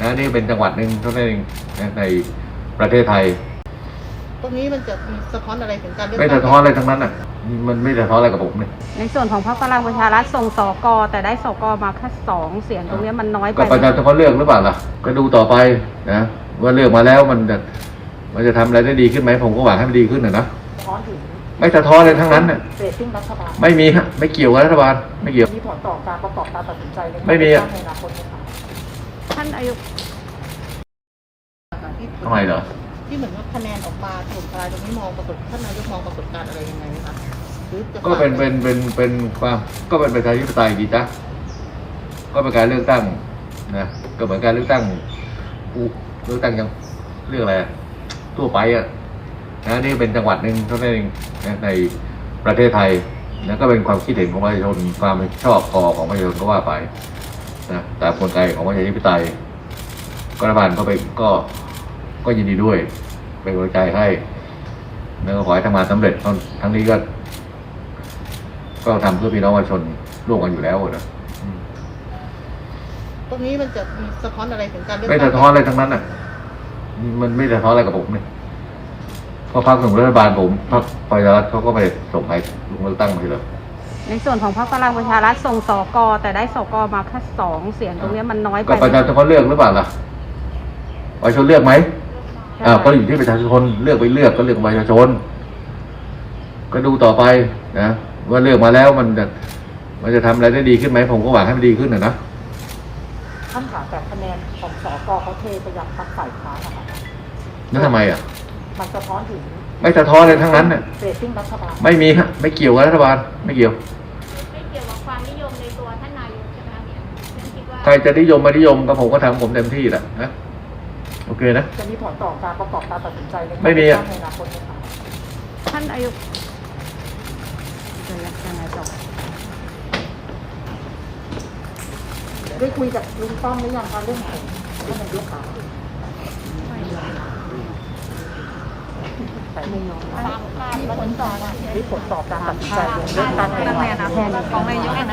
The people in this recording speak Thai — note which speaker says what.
Speaker 1: นะนี่เป็นจังหวัดหนึ่งเท่านั้นเองนะในประเทศไทย
Speaker 2: ตรงนี้มันจะมีสะท้อนอะไรถึงการเลือก
Speaker 1: ไม่สะท้อนอะไรทั้งนั้นอ่ะมันไม่สะท้อนอะไรกับผมเนี่ย
Speaker 3: ในส่วนของพรรคพลังประชารัฐส่งสกแต่ได้สกมาแค่2 เสียงตรงนี้มันน้อยไป
Speaker 1: ก็ประชาชนเขาเลือกหรือเปล่าล่ะก็ดูต่อไปนะว่าเลือกมาแล้วมันจะทำอะไรได้ดีขึ้นไหมผมก็หวังให้มันดีขึ้นนะ
Speaker 2: สะท้อนถึง
Speaker 1: ไม่สะท้อนอะไรทั้งนั้นน่ะ
Speaker 2: เรตติ้งรัฐบาล
Speaker 1: ไม่มีฮะไม่เกี่ยวกับรัฐบาลไม่เกี่ยว
Speaker 2: มีผลต่อการประกอบการตัดสินใจใน
Speaker 1: ไม่มี
Speaker 2: ในอนาคตไหมคะ
Speaker 3: ท่านอายุ
Speaker 1: ทำไมเหรอ
Speaker 2: ที่เหมือนว่าคะแนนออกมาถล่มทลายตรงนี้มองปรากฏท่านนายกมองปรากฏการณ์อะไรยังไงไหมคะ
Speaker 1: ก็เป็นความก็เป็นประชาธิปไตยดีจ้ะก็เป็นการเลือกตั้งนะก็เหมือนการเลือกตั้งยังเรื่องอะไรทั่วไปอ่ะนะนี่เป็นจังหวัดหนึ่งเท่านั้นเองนะในประเทศไทยนะก็เป็นความคิดเห็นของประชาชนความชอบพอของประชาชนก็ว่าไปนะแต่กลไกของประชาธิปไตยรัฐบาลก็ไปก็ยินดีด้วยเป็นกำลังใจให้แล้วก็ขอให้ทำงานสำเร็จทั้งนี้ก็ทำเพื่อพี่น้องประชาชนร่วมกันอยู่แล้วนะ
Speaker 2: ตรงนี้มันจะมีสะท้อนอะไรถึงการเลือก
Speaker 1: ไม่สะท้อนอะไรทั้งนั้นอ่ะมันไม่สะท้อนอะไรกับผมเนี่ยเพราะพรรคของรัฐบาลผมพรรคประชารัฐเขาก็ไปส่งใครลงเลือกตั้งทีเดียว
Speaker 3: ในส่วนของพรรคพลังประชารัฐส่งสกแต่ได้สกมาแค่2 เสียงตรงนี้มันน้อยไป
Speaker 1: ก็ประชาชนเขาเลือกหรือเปล่าล่ะประชาชนเลือกไหมก็อยู่ที่ประชาชนเลือกไปเลือกก็เลือกประชาชนก็ดูต่อไปนะว่าเลือกมาแล้วมันจะทำอะไรได้ดีขึ้นไหมผมก็หวังให้มันดีขึ้นนะ
Speaker 2: ท่านถามแต่คะแนนของสกเขาเทไปยังพรรคฝ่ายค้านนะคะ
Speaker 1: นั่นทำไมอ่ะ
Speaker 2: มันสะท้อนถึง
Speaker 1: ไม่สะท้อนอะไรทั้งนั้นน่ะ
Speaker 2: เรตติ้งรัฐบาล
Speaker 1: ไม่มีฮะไม่เกี่ยวกับรัฐบาลไม่เกี่ยว
Speaker 4: กับความนิยมในตัวท่านนายกใช่ไหมเนี่ยฉันคิดว่า
Speaker 1: ใครจะนิยมไม่นิยมก็ผมก็ทำผมเต็มที่แหละนะโอเคนะ
Speaker 2: จะมีผลต่อการประกอบการตัดสินใจใน
Speaker 1: ไม่มี
Speaker 2: ในอนาคตไหมคะ
Speaker 3: ท่านอายุยังไงต่อ
Speaker 2: ได้คุยกับลุงป้อมหรือยังคะเรื่องของท่านนายกค่ะ
Speaker 3: ไม่ยอม
Speaker 4: มีผลต่อการตัดสินใจ
Speaker 2: เรื่องตั้งในอนาคตของนายก